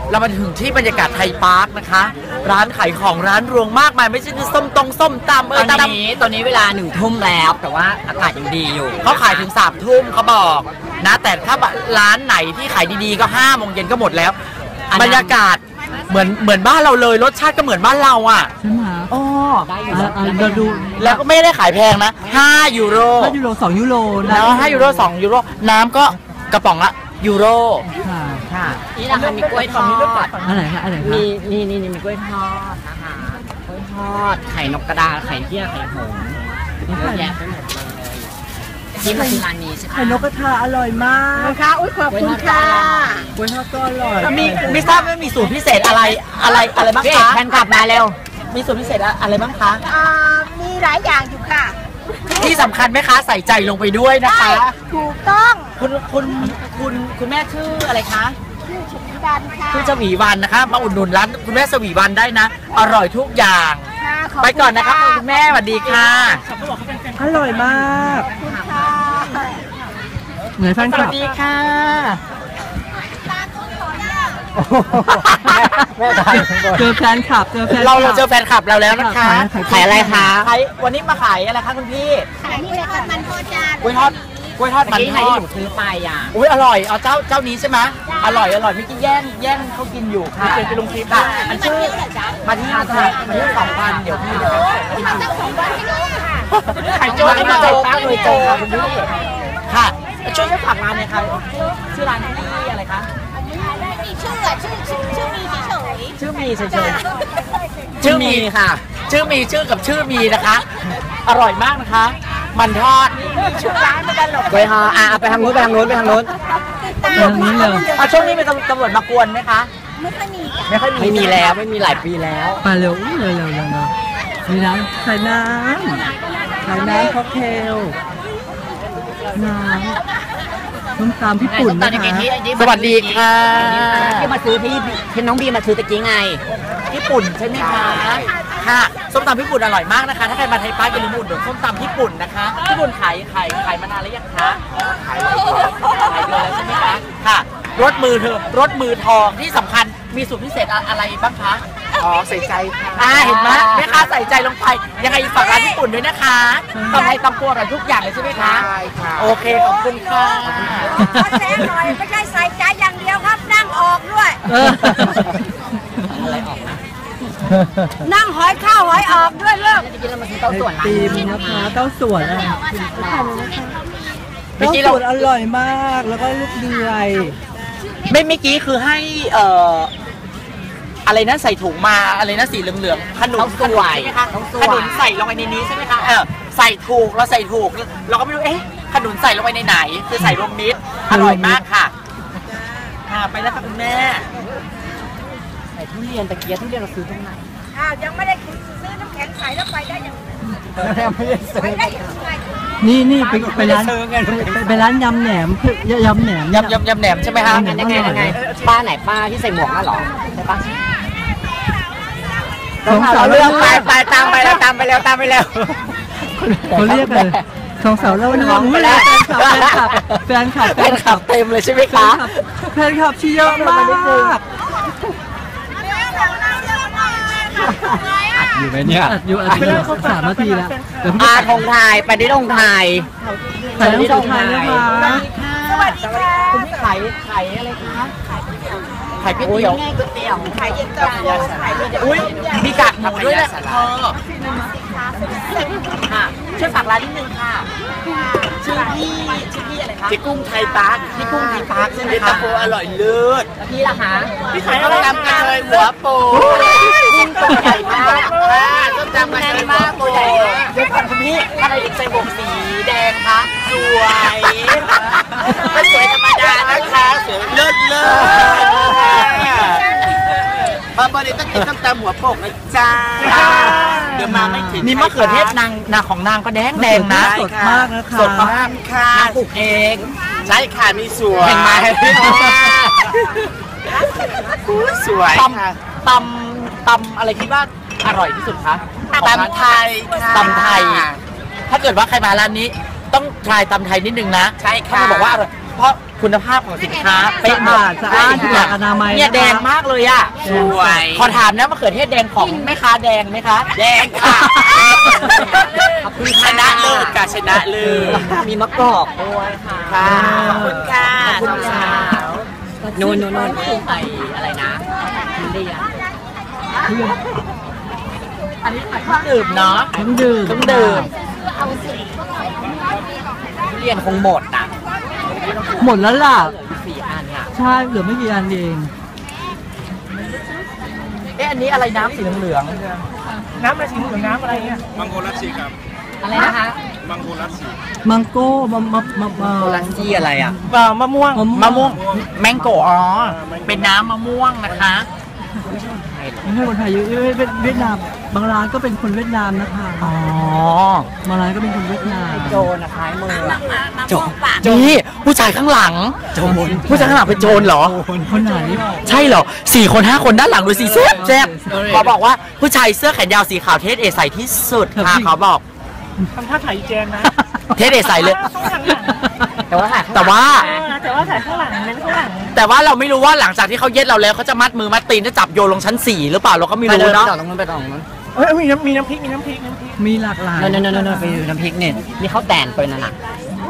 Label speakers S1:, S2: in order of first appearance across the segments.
S1: เรามาถึงที่บรรยากาศไทยพาร์คนะคะ ร้านขายของร้านรวงมากมายไม่ใช่ส้มตำ
S2: ตอนนี้เวลา1 ทุ่มแล้วแต่ว่าอากาศยังดีอยู่
S1: เขาขายถึง3 ทุ่มเขาบอกนะแต่ถ้าร้านไหนที่ขายดีๆก็5 โมงเย็นก็หมดแล้วบรรยากาศเหมือนบ้านเราเลยรสชาติก็เหมือนบ้านเราอ่ะ
S3: ใช่ไหม
S1: อ๋อ
S2: ได้อยู่
S3: เราดู
S1: แล้วก็ไม่ได้ขายแพงนะ5 ยูโร
S3: 2 ยูโร
S1: แล้ว5 ยูโร2 ยูโรน้ำก็กระป๋องละยูโร
S2: ค่ะนี่นะคะมีกล้วยทอด
S3: อะไรคะ
S2: มีมีกล้วยทอดนะคะกล้วยทอดไข่นกกระดาไข่เที่ยไข่หงส์เยอะแยะไปหมดเลยที่มาที่ร้านนี้ใช่ไหม
S3: ไข่นกกระทาอร่อยมาก
S4: ค่ะอุ้ยขอบคุณค่ะ
S3: กล้วยทอดก็อร่อย
S1: มีทราบว่ามีสูตรพิเศษอะไรบ้างคะ
S2: แฟนคลับมาเร็ว
S1: มีสูตรพิเศษอะไรบ้างคะ
S4: มีหลายอย่างอยู่ค่ะ
S1: ที่สำคัญไหมคะใส่ใจลงไปด้วยนะคะ
S4: ถูกต้อง
S1: คุณแม่ชื่ออะไรคะ
S4: ชื่อชวีวันค่ะ
S1: ชื่อชวีวันนะคะมาอุดหนุนร้านคุณแม่ชวีวันได้นะอร่อยทุกอย่างไปก่อนนะครับคุณแม่สวัสดีค่ะ
S3: อร่อยมากเหมือนแฟนคลับ
S1: สวัสดีค่ะ
S3: เจอแฟนคลับ
S1: เราเจอแฟนคลับเราแล้วนะคะ
S2: ขายอะไรคะ
S1: วันนี้มาขายอะไรคะคุณพี่
S4: ขายกล้วยทอดมันทอดจาน
S1: กล้วยทอดมันทอด
S2: ซื้อไปอ่ะ
S1: อุ้ยอร่อยเอาเจ้านี้ใช่ไหมอร่อยไม่กินแย่งเขากินอยู่ค่ะเป็นลงคลิปค่ะอันชื่อมาที่2,000เดี๋ยวพี่
S4: มาตั้ง2 วันให้ด้วยค่ะ
S1: ขายโจ๊กมาโจ๊กเลยโจ๊กค่ะคุณพี่ค่ะช่วยฝากร้านหน่อยค่ะชื่อร้านที่อะไรคะ
S4: มีชื่อมีเฉย
S1: ชื่อมีเฉยชื่อมีค่ะชื่อมีชื่อกับชื่อมีนะคะอร่อยมากนะคะมันทอด
S4: ชื่อร้านไม่กันหรอก
S2: ไปฮะไปทางนู้น
S3: เลย
S1: ช่วงนี้เป็นตำรวจมากวนไหมคะ
S4: ไม่ค่อยมี
S2: ไม่มีแล้วไม่มีหลายปีแล้ว
S3: มาเร็วมีน้ำใส่น้ำค็อกเทลน้ำต้มตำพี่ปุ่นนะคะ
S1: สวัสดีค่ะ
S2: ที่มาซื้อที่น้องบีมาซื้อตะกี้ไง
S1: ญี่ปุ่นใช่ไหมคะค่ะส้มตำญี่ปุ่นอร่อยมากนะคะถ้าใครมาไทยป้าอย่าลืมอุดหนุนส้มตำญี่ปุ่นนะคะญี่ปุ่นขายมานานแล้วยังคะขายเดือนแล้วใช่ไหมคะค่ะรสมือทองที่สำคัญมีสูตรพิเศษอะไรบ้างคะใส่ใจค่ะเห็นไหมแม่ค้าใส่ใจลงไปยังไงฝากร้านญี่ปุ่นด้วยนะคะตำไทยตำครัวกันทุกอย่างเลยใช่ไหมคะใช่ค่ะโอเคขอบคุณค่ะ
S4: ขอแซงหน่อยไม่ใช่ใส่ใจอย่างเดียวครับนั่งออกด้วย
S1: อะไรออกนะ
S4: นั่งหอยข้าวหอยออกด้วยเลิก
S2: กินแล้วมาซื้อเต้าส่วน
S3: ตีมนะคะเต้าส่วนเต้าส่วนอร่อยมากแล้วก็ลูกเดือย
S1: เมื่อกี้คือให้อะไรนะใส่ถุงมาอะไรนะสีเหลืองๆขนุน
S2: ใช่ไหมคะ
S1: ขนุนใส่ลงไปในนี้ใช่ไหมคะใส่ถูกเราใส่ถูกเราก็ไม่รู้ขนุนใส่ลงไปในไหนคือใส่รวมมิตรอร่อยมากค่ะไปแล้วค่ะคุณแม่
S2: ใส่ทุเรียนตะเกียบทุเรียนเราซื้อตรงไหน
S4: ยังไม่ได้ซื้อน้ำแข็งใส่แล้วไปได้ยัง
S1: ไม่ได้ซื้อ
S3: นี่ไปร้านยำแหนมยำแหน
S1: มใช่ไหมคะ
S2: ยังไงป้าไหนป้าที่ใส่หมวกนั่นหรอใช่ปะ
S3: เรา
S1: เรื่องไปตามไปแล้ว
S3: เขาเรียกอะไรสองสาวเล่าเรื่องไปแล้วแฟนคลับ
S1: เต็มเลยใช่ไหมคะ
S3: แฟนคลับชี้เยอะมากอยู่ไหมเนี่ยอยู่3 นาทีแล้ว
S2: ธงไทยไปได้ธงไทย
S3: ไปที่ธงไทยนะคะ
S4: สวัสดีค่ะ
S1: คุณพี่ขายอะไรคะขายก๋วยเตี๋ยว
S4: ขายเย็นตาโฟ
S1: อุ้ยมีกากหมูด้วยแหละค่ะช่วยฝากร้านนิดนึงค่ะชื่อพี่อะไรคะพี่กุ้งไทยปาร์คใช่ไหมคะอร่อยเลิศ
S2: พี่ล่ะคะ
S1: พี่ขายอะไรทำกันเลยหัวโปกุ้งตัวใหญ่มากต้มยำมันมากตัวใหญ่เดี๋ยวก่อนคุณพี่อะไรใส่หมวกสีแดงคะสวยไม่สวยธรรมดานะคะสวยเลิศมาบริต้องกินต้มตำหัวโปกนะจ้าเดี๋ยวมาไม่ถึงนี่มะเขือเทศนางของนางก็แดงนะ
S3: สดมากนะคะ
S1: สดมากค่ะนางปลูกเองใช่ค่ะมีสวย
S2: เห็นไหม
S1: สวยตำอะไรคิดว่าอร่อยที่สุดคะตำไทยถ้าเกิดว่าใครมาร้านนี้ต้องทายตำไทยนิดนึงนะ
S2: ใช่ค่ะ
S1: เขาบอกว่าอร่อยเพราะคุณภาพของสินค้าเป๊ะหมด
S3: สะอาดถูกหลักอนามัย
S1: เนี่ยแดงมากเลยอ่ะ
S2: สวย
S1: ขอถามนะมะเขือเทศแดงของแม่ค้าแดงไหมคะ
S2: แดงค่ะ
S1: ขอบคุณชนะเลิศค่ะชนะเลิศ
S2: มีมะกอกด้วยค่ะ
S1: ค่ะขอบคุณค่ะ
S2: ขอบคุณค่ะนู่นไออะไรนะทุเรียน
S1: อันนี้ขายเครื่องดื่มเนาะ
S3: เครื่องดื่ม
S1: เครื่องดื่มทุเรียนคงหมดอ่ะ
S3: หมดแล้วล่ะ
S2: 4 อันค่ะ
S3: ใช่เหลือไม่กี่อันเอง
S1: อันนี้อะไรน้ำสีเหลือง
S5: น้ำอะไรสีเหลืองน้ำอะไรเนี่ย
S6: มังโกลัสซีครับ
S2: อะไรนะคะ
S6: มังโกลัสซี
S3: มังโก้มะ
S2: โคลันจี้อะไรอ่ะ
S5: มะม่วง
S1: มะม่วงแมงโกอ๋อเป็นน้ำมะม่วงนะคะ
S3: ไม่ใช่คนไทยเยอะเป็นเวียดนามบางร้านก็เป็นคนเวียดนามนะคะ
S1: อ๋อบ
S3: างร้านก็เป็นคนเวียดนาม
S2: โจรนะท้ายมืออะ
S1: โจรนี่ผู้ชายข้างหลังผู้ชายข้างหลังเป็นโจรเหรอ
S3: คนไหน
S1: ใช่เหรอ4 คน 5 คนด้านหลังดูสิแซ่บขอบอกว่าผู้ชายเสื้อแขนยาวสีขาวเทสเอใส่ที่สุดค่ะเขาบอก
S5: ทำท่าถ่ายอีแจนนะ
S1: เทสเอใส่เลย
S2: แต่ว่า
S1: แต่ว่า
S5: แต่ว่าถ่ายข้างหลังเน้นข้างหลัง
S1: แต่ว่าเราไม่รู้ว่าหลังจากที่เขาเย็ดเราแล้วเขาจะมัดมือมัดตีนจะจับโยนลงชั้น 4 หรือเปล่าเราก็ไม่
S2: ไป
S1: รู้
S2: เดิน
S1: เนาะ
S2: ต่อตรงนู้นไปต่อตรงนู้น
S5: เอ้ยมีน้ำพริกน้ำพริก
S3: มีหลากหลาย
S2: นั่นไปดูน้ำพริกเนี่ยมีข้าวแตนตัวนั่นน่ะ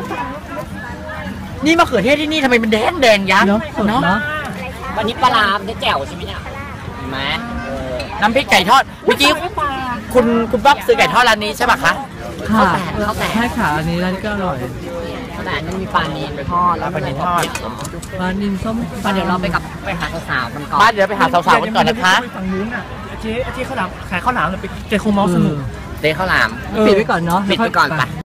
S1: นี่มะเขือเทศที่นี่ทำไมมันแดงแดงยักษ์
S3: เนาะสดเนาะ
S2: วันนี้ปลาร้าได้แจ่วใช่ไหมเนี่ยเห็นไหม
S1: น้ำพริกไก่ทอดเมื่อกี้คุณป๊อบซื้อไก่ทอดร้านนี้ใช่ปะคะ
S3: ค่ะใช่ค่ะอันนี้ร้านนี้ก็อร่อย
S2: ข้าวแตนมันมีปลานีนไปทอดแล้ว
S1: ปลานีนทอด
S3: ปลานิลส้ม
S2: ปลาเดี๋ยวเราไปหาสาวๆกันก่อน
S1: บ้านเดี๋ยวไปหาสาวๆกันก่อนนะคะ
S5: ฝั่งนู้นอ่ะเจ๊ข้าวหลามขายข้าวหลามเลยไปเจ๊คงเมาสนุก
S2: เตะข้าวหลาม
S3: ปิดไว้ก่อนเนาะ
S2: ปิดไปก่อนไป